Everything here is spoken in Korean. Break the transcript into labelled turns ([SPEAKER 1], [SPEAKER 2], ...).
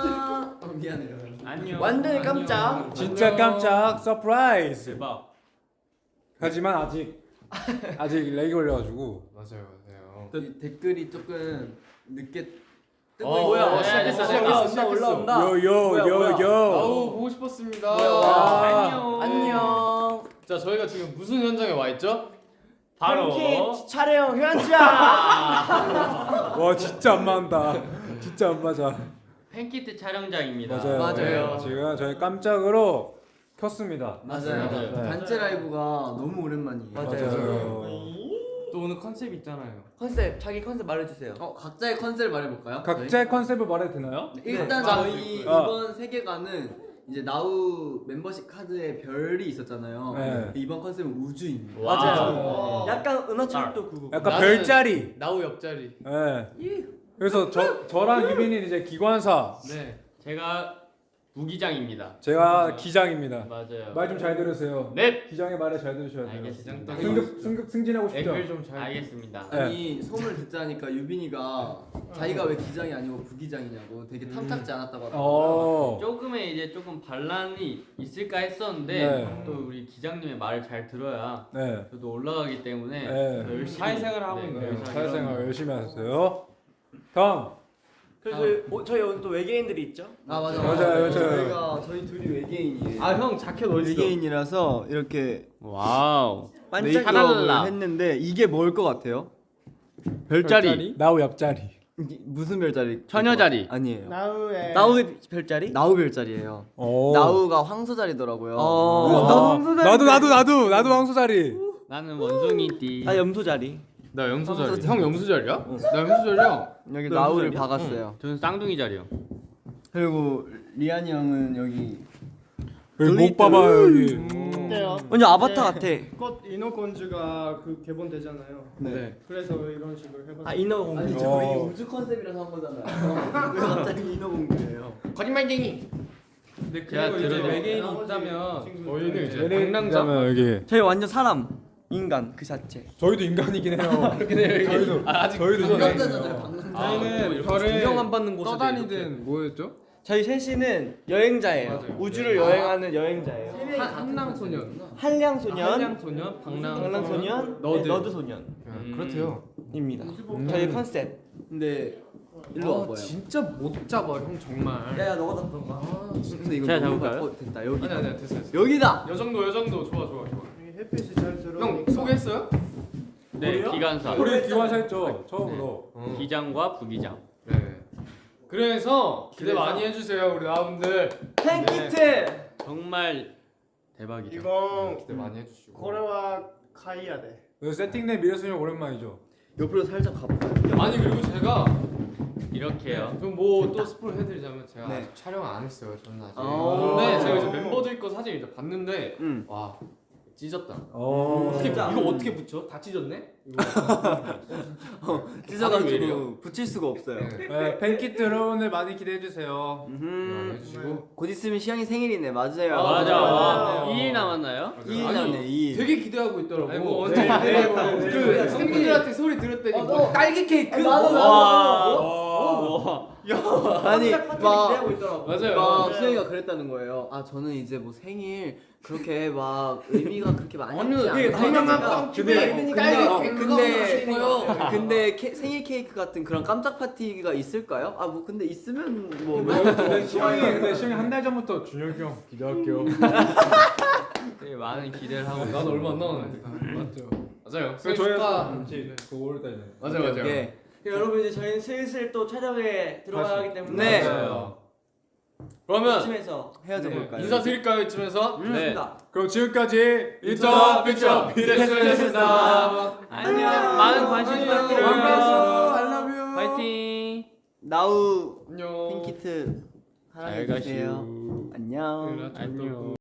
[SPEAKER 1] 미안해요.
[SPEAKER 2] 안녕.
[SPEAKER 1] 완전히 깜짝.
[SPEAKER 3] 진짜 깜짝 서프라이즈.
[SPEAKER 2] 대박.
[SPEAKER 3] 하지만 아직 렉이 걸려가지고.
[SPEAKER 4] 맞아요.
[SPEAKER 1] 이 댓글이 조금 늦게 뜨고
[SPEAKER 2] 뭐야?
[SPEAKER 1] 있어요.
[SPEAKER 2] 시작했어.
[SPEAKER 1] 올라온다.
[SPEAKER 3] 요요요요.
[SPEAKER 4] 아우 보고 싶었습니다.
[SPEAKER 1] 안녕.
[SPEAKER 4] 자 저희가 지금 무슨 현장에 와 있죠?
[SPEAKER 2] 바로
[SPEAKER 1] 팬킷 촬영 현장.
[SPEAKER 3] 와 진짜 안 맞는다. 진짜 안 맞아.
[SPEAKER 2] 팬키트 촬영장입니다.
[SPEAKER 1] 맞아요.
[SPEAKER 3] 지금 저희 깜짝으로 켰습니다.
[SPEAKER 1] 맞아요.
[SPEAKER 2] 맞아요.
[SPEAKER 1] 단체 라이브가 너무 오랜만이에요.
[SPEAKER 3] 맞아요.
[SPEAKER 4] 또 오늘 컨셉 있잖아요.
[SPEAKER 5] 컨셉 자기 컨셉 말해주세요.
[SPEAKER 1] 각자의 컨셉을 말해볼까요?
[SPEAKER 3] 각자의 컨셉을 말해도 되나요?
[SPEAKER 1] 일단
[SPEAKER 4] 네.
[SPEAKER 1] 저희
[SPEAKER 3] 아.
[SPEAKER 1] 이번 세계관은 이제 나우 멤버십 카드에 별이 있었잖아요.
[SPEAKER 3] 네.
[SPEAKER 1] 이번 컨셉은 우주입니다.
[SPEAKER 5] 맞아요.
[SPEAKER 4] 와.
[SPEAKER 5] 약간 은하철도 그거.
[SPEAKER 3] 약간
[SPEAKER 4] 나는-
[SPEAKER 3] 별자리.
[SPEAKER 4] 나우 옆자리.
[SPEAKER 3] 예. 그래서 저랑 유빈이는 이제 기관사,
[SPEAKER 4] 네.
[SPEAKER 2] 제가 부기장입니다.
[SPEAKER 3] 제가 기장입니다.
[SPEAKER 2] 맞아요.
[SPEAKER 3] 말 좀 잘 들으세요.
[SPEAKER 2] 네.
[SPEAKER 3] 기장의 말을 잘 들으셔야 돼요.
[SPEAKER 2] 알겠습니다.
[SPEAKER 3] 승진하고 싶죠?
[SPEAKER 4] 댓글 좀 잘.
[SPEAKER 2] 알겠습니다.
[SPEAKER 3] 네.
[SPEAKER 1] 아니 소문을 듣자니까 유빈이가 자기가 왜 기장이 아니고 부기장이냐고 되게 탐탁지 않았다고 하더라고요.
[SPEAKER 2] 조금의 이제 조금 반란이 있을까 했었는데
[SPEAKER 3] 네.
[SPEAKER 2] 또 우리 기장님의 말을 잘 들어야
[SPEAKER 3] 네.
[SPEAKER 2] 저도 올라가기 때문에
[SPEAKER 3] 네.
[SPEAKER 2] 더 열심히
[SPEAKER 4] 사회생활을 하고 있네요.
[SPEAKER 2] 그래서
[SPEAKER 3] 사회생활 열심히 하셨어요. 다음.
[SPEAKER 5] 그래서 저희 오늘 또 외계인들이 있죠.
[SPEAKER 1] 아
[SPEAKER 3] 맞아요.
[SPEAKER 1] 저희 둘이 외계인이에요.
[SPEAKER 4] 아형 자켓 어디 있어?
[SPEAKER 1] 외계인이라서 이렇게
[SPEAKER 2] 와우.
[SPEAKER 1] 메이크업을 했는데 이게 뭘 것 같아요?
[SPEAKER 2] 별자리.
[SPEAKER 3] 나우 옆자리.
[SPEAKER 1] 무슨 별자리?
[SPEAKER 2] 처녀자리.
[SPEAKER 1] 아니에요.
[SPEAKER 5] 나우의 별자리?
[SPEAKER 1] 나우 별자리예요.
[SPEAKER 3] 오.
[SPEAKER 1] 나우가 황소자리더라고요.
[SPEAKER 3] 나도 황소자리.
[SPEAKER 2] 나는 원숭이띠.
[SPEAKER 5] 나 염소자리.
[SPEAKER 4] 나 염소자리. 형 염소자리야? 나 염소자리야.
[SPEAKER 1] 여기
[SPEAKER 5] 너
[SPEAKER 1] 나우를
[SPEAKER 5] 무슨
[SPEAKER 1] 박았어요.
[SPEAKER 2] 저는 쌍둥이 자리요.
[SPEAKER 1] 그리고 리안이 형은 여기
[SPEAKER 3] 여기 목 봐봐요 여기.
[SPEAKER 5] 어때요?
[SPEAKER 1] 완전 아바타 같아.
[SPEAKER 6] 곧 인어건주가 그 개봉되잖아요.
[SPEAKER 1] 네.
[SPEAKER 6] 그래서 이런 식으로 해봤어요.
[SPEAKER 5] 아 인어공주.
[SPEAKER 1] 아니 저희 우주 컨셉이라서 한 거잖아요. 왜 갑자기 인어공주예요?
[SPEAKER 4] 거짓말쟁이. 근데
[SPEAKER 2] 제가
[SPEAKER 4] 그리고 이제
[SPEAKER 2] 들어도-
[SPEAKER 4] 외계인이 있다면 저희는 이제
[SPEAKER 3] 얘네
[SPEAKER 4] 방랑자.
[SPEAKER 3] 그다음에 여기.
[SPEAKER 5] 저희 완전 사람, 인간 그 자체.
[SPEAKER 3] 저희도 인간이긴 해요.
[SPEAKER 4] 그렇긴 해요.
[SPEAKER 3] 저희도
[SPEAKER 4] 아직
[SPEAKER 3] 저희도
[SPEAKER 1] 방랑자잖아요. 방랑자.
[SPEAKER 4] 저희는 별을
[SPEAKER 5] 구경 안 받는 곳에서
[SPEAKER 4] 떠다니든 뭐였죠?
[SPEAKER 5] 저희 셋이는 여행자예요.
[SPEAKER 4] 맞아요.
[SPEAKER 5] 우주를 여행하는 여행자예요.
[SPEAKER 4] 한랑소년.
[SPEAKER 5] 한량소년,
[SPEAKER 4] 한량소년,
[SPEAKER 5] 방랑소년,
[SPEAKER 4] 너드.
[SPEAKER 5] 너드소년입니다.
[SPEAKER 4] 그렇대요.
[SPEAKER 5] 저희 컨셉.
[SPEAKER 1] 근데 일로 와봐요.
[SPEAKER 4] 진짜 못 잡아 형 정말.
[SPEAKER 5] 야야 너가 잡던 거.
[SPEAKER 1] 근데 이거
[SPEAKER 2] 제가
[SPEAKER 1] 너무
[SPEAKER 2] 잡을까요?
[SPEAKER 1] 됐다. 여기
[SPEAKER 4] 아니 됐어.
[SPEAKER 1] 여기다.
[SPEAKER 4] 요 정도 좋아.
[SPEAKER 6] 여기 햇빛이 잘 들어.
[SPEAKER 4] 형 소개했어요?
[SPEAKER 2] 네, 기관사.
[SPEAKER 3] 우리 기관사 했죠 처음으로.
[SPEAKER 2] 기장과 부기장.
[SPEAKER 4] 네. 그래서 기대 많이 해주세요 우리 나분들.
[SPEAKER 5] 팬키트.
[SPEAKER 2] 정말 대박이죠.
[SPEAKER 6] 이거
[SPEAKER 4] 기대 많이 해주시고.
[SPEAKER 6] 고래와 카이야 돼.
[SPEAKER 3] 세팅된 미래소년 오랜만이죠.
[SPEAKER 1] 옆으로 살짝 가볼까요?
[SPEAKER 4] 아니 그리고 제가
[SPEAKER 2] 이렇게요.
[SPEAKER 4] 좀 뭐 또 스포를 해드리자면 제가
[SPEAKER 1] 네.
[SPEAKER 4] 아직 촬영 안 했어요 저는 아직.
[SPEAKER 1] 아.
[SPEAKER 4] 근데 제가 이제 멤버들 거 사진 이제 봤는데 와 찢었다. 이거 어떻게 붙여? 다 찢었네? 이거. 왜
[SPEAKER 1] 찢어가지고
[SPEAKER 4] 이래요?
[SPEAKER 1] 붙일 수가 없어요.
[SPEAKER 3] 네, 팬키트 여러분들 많이 기대해 주세요.
[SPEAKER 4] 해주시고.
[SPEAKER 1] 곧 있으면 시영이 생일이네. 맞아요.
[SPEAKER 2] 맞아.
[SPEAKER 4] 와.
[SPEAKER 2] 2일 남았나요?
[SPEAKER 1] 2일
[SPEAKER 4] 아니,
[SPEAKER 1] 남네. 2일.
[SPEAKER 4] 되게 기대하고 있더라고.
[SPEAKER 6] 아니, 뭐
[SPEAKER 4] 언제
[SPEAKER 6] 언제
[SPEAKER 4] 그 팬분들한테 소리 들었더니 뭐 딸기 케이크.
[SPEAKER 1] 아니
[SPEAKER 5] 기대하고 있더라고.
[SPEAKER 4] 맞아요.
[SPEAKER 1] 막 수영이가 그랬다는 거예요. 아 저는 이제 뭐 생일 그렇게 막 의미가 그렇게 많이 있지 않아요. 근데 생일 케이크 같은 그런 깜짝 파티가 있을까요? 아 뭐 근데 있으면 뭐
[SPEAKER 3] 근데 시영이 한 달 전부터 준혁이 형 기대할게요.
[SPEAKER 2] 되게 많은 기대를 하고
[SPEAKER 4] 난 얼마 안 남았는데.
[SPEAKER 3] 맞죠.
[SPEAKER 4] 맞아요.
[SPEAKER 3] 저희
[SPEAKER 4] 축하.
[SPEAKER 3] 같이 그 5월달에.
[SPEAKER 4] 맞아요.
[SPEAKER 1] 예.
[SPEAKER 5] 여러분 이제 저희는 슬슬 또 촬영에 들어가야 하기 때문에
[SPEAKER 1] 네.
[SPEAKER 4] 맞아요. 그러면
[SPEAKER 5] 이쯤에서
[SPEAKER 1] 헤어져 볼까요?
[SPEAKER 4] 인사드릴까요 이쯤에서?
[SPEAKER 2] 네.
[SPEAKER 5] 좋습니다.
[SPEAKER 3] 그럼 지금까지
[SPEAKER 4] 인터 픽처 비대스였습니다.
[SPEAKER 2] 안녕. 많은 관심 부탁드려요.
[SPEAKER 1] I love you.
[SPEAKER 2] 파이팅.
[SPEAKER 1] 나우
[SPEAKER 4] 안녕.
[SPEAKER 1] 핑키트
[SPEAKER 2] 잘
[SPEAKER 1] 사랑해 주세요. 안녕.
[SPEAKER 2] 안녕.